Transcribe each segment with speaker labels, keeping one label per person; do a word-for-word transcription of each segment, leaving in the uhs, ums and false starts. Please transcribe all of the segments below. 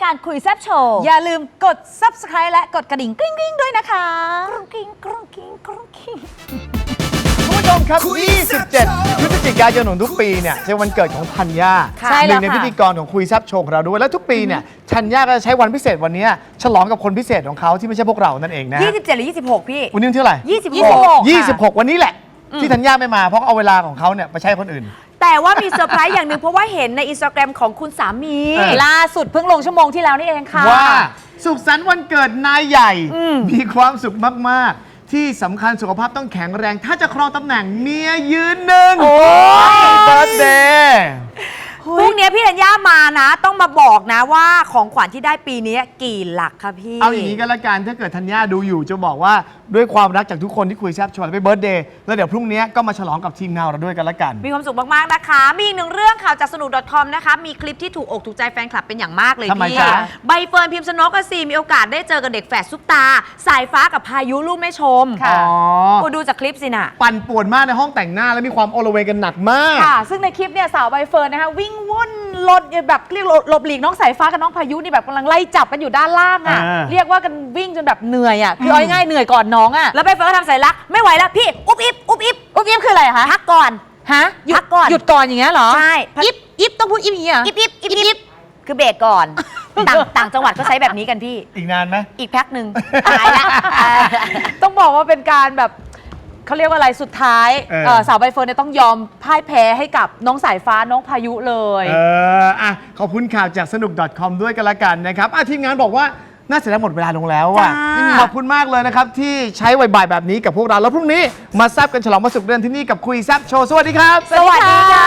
Speaker 1: การคุยแซ่บโชว์อย่าลืมกด ซับสไครบ์ และกดกระดิ่งกริ๊งกริ๊งด้วยนะคะกรุงกริ๊งกรุงกริ๊งกรุงกริ๊ง
Speaker 2: คุณผู้ชมครับ ยี่สิบเจ็ด พฤศจิกายนของทุกปีเนี่ยเป็นวันเกิดของธัญญา
Speaker 1: ใช่
Speaker 2: ห
Speaker 1: แล้ว
Speaker 2: นึ่งใน
Speaker 1: ค่ะ
Speaker 2: พิธีกรของคุยแซ่บโชว์ของเราด้วย และทุกปีเนี่ยธัญญาก็จะใช้วันพิเศษวันนี้ฉลองกับคนพิเศษของเขาที่ไม่ใช่พวกเรานั่นเองนะ
Speaker 1: ยี่สิบเจ็ดหรือยี่สิบหกพี่
Speaker 2: วันนี้วันที่เท่าไหร่
Speaker 1: ยี่สิบหก
Speaker 2: ยี่สิบหกวันนี้แหละที่ธัญญาไม่มาเพราะเอาเวลาของเขาเนี่ยไปใช้คนอื่น
Speaker 3: แต่ว่ามีเซอร์ไพรส์อย่างหนึ่งเพราะว่าเห็นในอินสตาแกรมของคุณสามี
Speaker 2: เออ
Speaker 1: ล่าสุดเพิ่งลงชั่วโมงที่แล้วนี่เองค่ะ
Speaker 2: ว่าสุขสันต์วันเกิดนายใหญ่ มีความสุขมากๆ ที่สำคัญสุขภาพต้องแข็งแรง ถ้าจะครองตำแหน่งเมียยืนหนึ่ง
Speaker 1: โอ้ย
Speaker 2: เบิร์ธเดย์
Speaker 3: พรุ่งนี้พี่ธัญญามานะ ต้องมาบอกนะว่าของขวัญที่ได้ปีนี้กี่หลักคะพี่
Speaker 2: เอาอย่างนี้ก็แล้วกันถ้าเกิดธัญญาดูอยู่จะบอกว่าด้วยความรักจากทุกคนที่คุยแซ่บชวนไปเบิร์ธเดย์แล้วเดี๋ยวพรุ่งนี้ก็มาฉลองกับทีมงานเราด้วยกันแล้วกัน
Speaker 3: มีความสุขมากๆนะคะ มีอีกหนึ่งเรื่องข่าวจากสนุก .com นะคะ มีคลิปที่ถูกอกถูกใจแฟนคลับเป็นอย่างมากเลย
Speaker 2: ทำไม
Speaker 3: พี่
Speaker 2: จ๊ะ
Speaker 3: ใบเฟิร์นพิมพ์สนกกสีมีโอกาสได้เจอกับเด็กแฝดซุปตา สายฟ้ากับพายุลูกแม่ชม
Speaker 1: ค่ะ
Speaker 2: อ๋อ
Speaker 3: กูดูจากคลิปสินะ
Speaker 2: ปั่นป่วนมากในห้องแต่งหน้าแล้วมีความโอละเวงกันหนักมาก
Speaker 1: ค่ะ ซึ่งในคลิปเนี่ยสาวใบเฟิร์นนะคะวิ่งวุ่นรถแบบเรียกหลบหลีกน้องสายฟ้ากับน้องพายุนี่แบบกำลังไล่จับกันอยู่ด้านล่างอ่ะ
Speaker 2: อ่า
Speaker 1: เรียกว่ากันวิ่งจนแบบเหนื่อยอ่ะคือเอาง่ายๆเหนื่อยก่อนน้องอ่ะ
Speaker 3: แล้วใบเฟิร์นก็ทำสายลักไม่ไหวแล้วพี่ อุ๊บอิบอุ๊บอิบ
Speaker 1: อุ๊บอิ๊บคืออะไรคะ
Speaker 3: พักก่อน
Speaker 1: ฮะหยุ
Speaker 3: พั
Speaker 1: ด
Speaker 3: กก่อน
Speaker 1: หยุดก่อนอย่างเงี้ยเหรอ
Speaker 3: ใช่
Speaker 1: อิ๊บอิ๊บต้องพูดอิ๊บอย่างเงี้ยเหรอ
Speaker 3: อิบอิบอิบอิบคือเบรกก่อน ต่างต่างจังหวัดก็ใช้แบบนี้กันพี่
Speaker 2: อีกนานไหม
Speaker 3: อีกแพ็คหนึ่งหายละ
Speaker 1: ต้องบอกว่าเป็นการแบบเขาเรียกว่าอะไรสุดท้าย
Speaker 2: เออ
Speaker 1: เอ่อสาวใบเฟิร์นเนี่ยต้องยอมพ่ายแพ้ให้กับน้องสายฟ้าน้องพายุเลย
Speaker 2: เอออ่ะขอบคุณข่าวจากสนุก .com ด้วยกันละกันนะครับอ่ะทีมงานบอกว่าน่าเสียดายหมดเวลาลงแล้วอ่ะ
Speaker 3: จ้า
Speaker 2: ขอบคุณมากเลยนะครับ ที่ใช้บ่ายๆแบบนี้กับพวกเรา แล้วพรุ่งนี้มาแซบกันฉลองวันศุกร์เดือนที่นี่กับคุยแซบโชว์ สวัสดีครับ
Speaker 3: สวัสดีค่ะ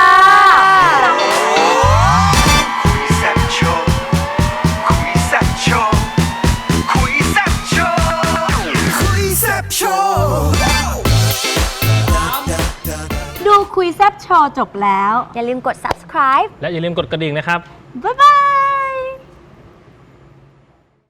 Speaker 4: คุยแซ่บโชว์คุยแซ่บโชว์คุยแซ่บโชว์คุยแซ่บโชว์
Speaker 5: ดูคุยแซบโชว์จบแล้ว
Speaker 3: อย่าลืมกด subscribe
Speaker 6: และอย่าลืมกดกระดิ่งนะครับ
Speaker 5: บ๊ายบาย